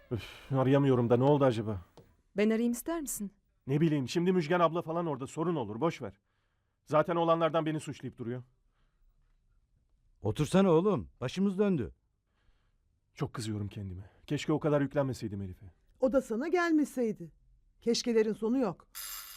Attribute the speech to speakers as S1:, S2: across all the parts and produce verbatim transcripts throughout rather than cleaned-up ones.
S1: Üf, arayamıyorum da ne oldu acaba?
S2: Ben arayayım ister misin?
S1: Ne bileyim, şimdi Müjgan abla falan orada, sorun olur, boş ver. Zaten olanlardan beni suçlayıp duruyor.
S3: Otursana oğlum. Başımız döndü.
S1: Çok kızıyorum kendime. Keşke o kadar yüklenmeseydim Elif'e.
S4: O da sana gelmeseydi. Keşkelerin sonu yok.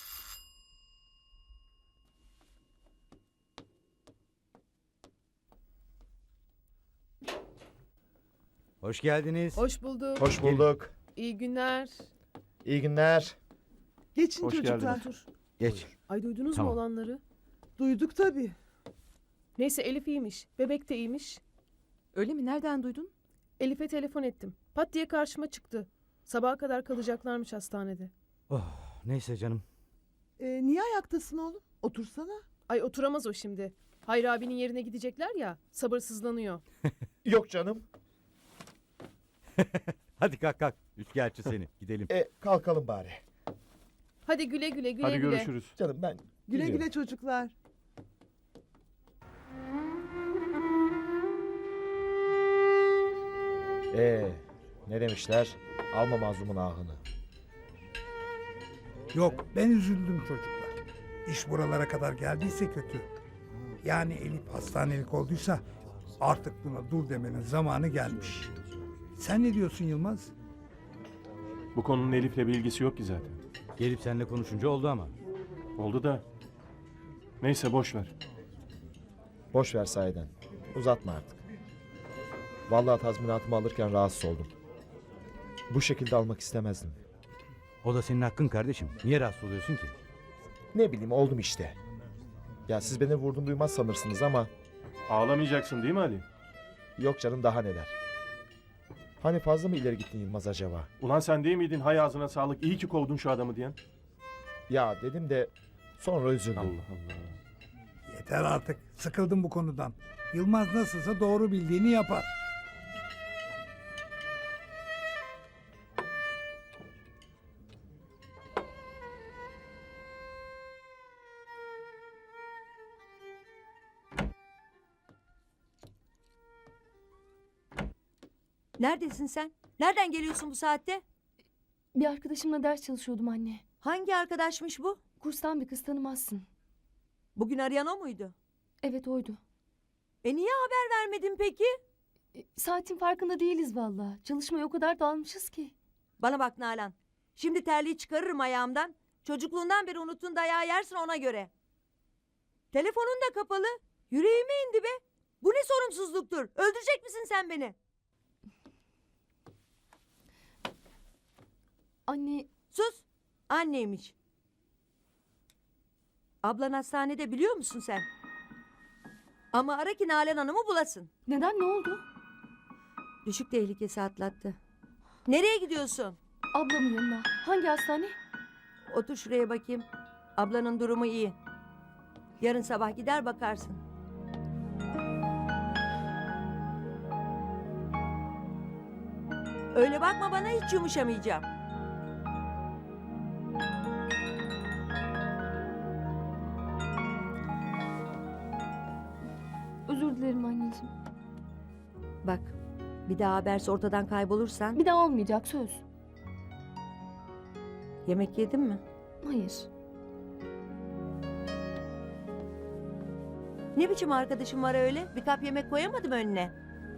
S3: Hoş geldiniz.
S5: Hoş bulduk.
S6: Hoş bulduk.
S5: İyi günler.
S6: İyi günler.
S4: Geçin
S1: Hoş
S4: çocuklar.
S1: geldiniz.
S5: Dur.
S3: Geç.
S5: Ay duydunuz
S3: Tamam.
S5: mu olanları?
S4: Duyduk tabii.
S5: Neyse Elif iyiymiş. Bebek de iyiymiş.
S2: Öyle mi? Nereden duydun?
S5: Elif'e telefon ettim. Pat diye karşıma çıktı. Sabaha kadar kalacaklarmış hastanede.
S3: Oh, neyse canım.
S4: Ee, niye ayaktasın oğlum? Otursana.
S5: Ay oturamaz o şimdi. Hayri abinin yerine gidecekler ya. Sabırsızlanıyor.
S6: Yok canım.
S3: Hadi kalk kalk. Üçkağıtçı seni. Gidelim.
S6: E kalkalım bari.
S5: Hadi güle güle güle
S1: Hadi
S5: güle.
S1: görüşürüz.
S6: Canım ben
S4: Güle
S6: gidiyorum.
S4: güle çocuklar.
S6: Ee, ne demişler? Alma mazlumun ahını.
S7: Yok, ben üzüldüm çocuklar. İş buralara kadar geldiyse kötü. Yani Elif hastanelik olduysa artık buna dur demenin zamanı gelmiş. Sen ne diyorsun Yılmaz?
S1: Bu konunun Elif'le bir ilgisi yok ki zaten.
S3: Gelip seninle konuşunca oldu ama.
S1: Oldu da. Neyse, boş ver.
S6: Boş ver sahiden. Uzatma artık. Vallahi tazminatımı alırken rahatsız oldum. Bu şekilde almak istemezdim.
S3: O da senin hakkın kardeşim. Niye rahatsız oluyorsun ki?
S6: Ne bileyim oldum işte. Ya siz beni vurdum duymaz sanırsınız ama
S1: Ağlamayacaksın değil mi Ali?
S6: yok canım daha neler. Hani fazla mı ileri gittin Yılmaz acaba?
S1: Ulan sen değil miydin hay ağzına sağlık, iyi ki kovdun şu adamı diyen?
S6: Ya dedim de sonra üzüldüm.
S1: Allah Allah.
S7: Yeter artık, sıkıldım bu konudan. Yılmaz nasılsa doğru bildiğini yapar.
S8: Neredesin sen? Nereden geliyorsun bu saatte?
S9: Bir arkadaşımla ders çalışıyordum anne.
S8: Hangi arkadaşmış bu?
S9: Kurstan bir kız tanımazsın.
S8: Bugün arayan o muydu?
S9: Evet oydu.
S8: E niye haber vermedin peki?
S9: E, saatin farkında değiliz valla. Çalışmaya o kadar dalmışız ki.
S8: Bana bak Nalan. Şimdi terliği çıkarırım ayağımdan. Çocukluğundan beri unuttun dayağı yersin ona göre. Telefonun da kapalı. Yüreğime indi be. Bu ne sorumsuzluktur? Öldürecek misin sen beni?
S9: Anne
S8: Sus. Anneymiş. Ablan hastanede biliyor musun sen? Ama ara ki Nalan Hanım'ı bulasın.
S9: neden ne oldu?
S8: Düşük tehlikesi atlattı. Nereye gidiyorsun?
S9: Ablamın yanına. Hangi hastane?
S8: Otur şuraya bakayım. Ablanın durumu iyi. Yarın sabah gider bakarsın. Öyle bakma bana, hiç yumuşamayacağım.
S9: Özür dilerim anneciğim.
S8: Bak, bir daha haberse ortadan kaybolursan
S9: Bir daha olmayacak söz.
S8: yemek yedin mi?
S9: Hayır.
S8: Ne biçim arkadaşım var öyle? Bir kap yemek koyamadım önüne.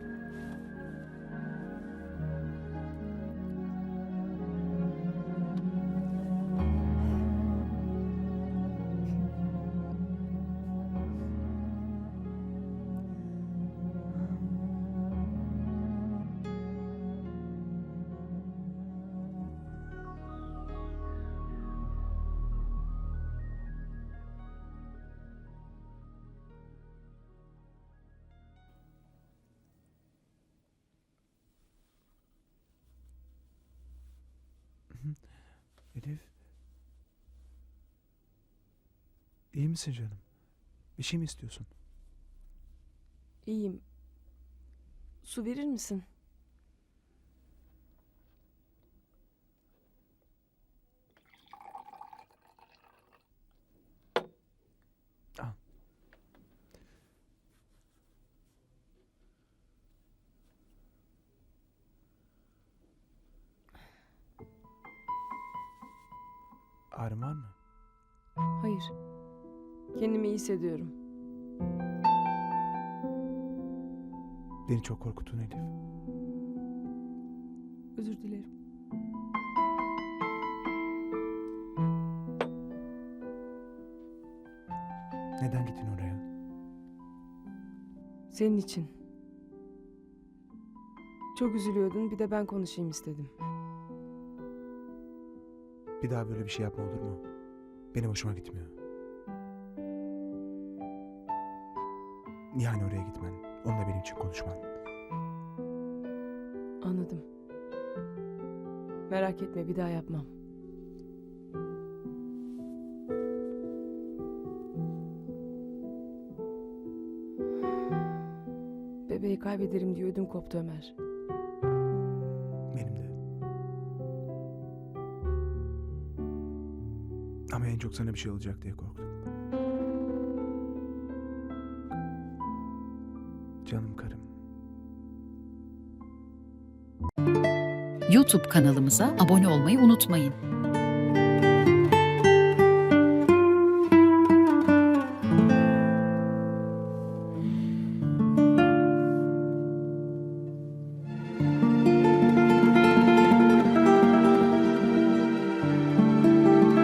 S10: Elif. İyi misin canım? Bir şey mi istiyorsun?
S9: İyiyim. Su verir misin?
S10: Al. Ağrın var mı?
S2: Hayır. Kendimi iyi hissediyorum.
S10: Beni çok korkuttun Elif.
S2: Özür dilerim.
S10: Neden gittin oraya?
S2: Senin için. Çok üzülüyordun, bir de ben konuşayım istedim.
S10: Bir daha böyle bir şey yapma olur mu? Benim hoşuma gitmiyor. Yani oraya gitmen, onunla benim için konuşman.
S2: Anladım. Merak etme, bir daha yapmam. Bebeği kaybederim diye ödüm koptu Ömer.
S10: Benim de. Ama en çok sana bir şey olacak diye korktum. Canım karım.
S11: YouTube kanalımıza abone olmayı unutmayın.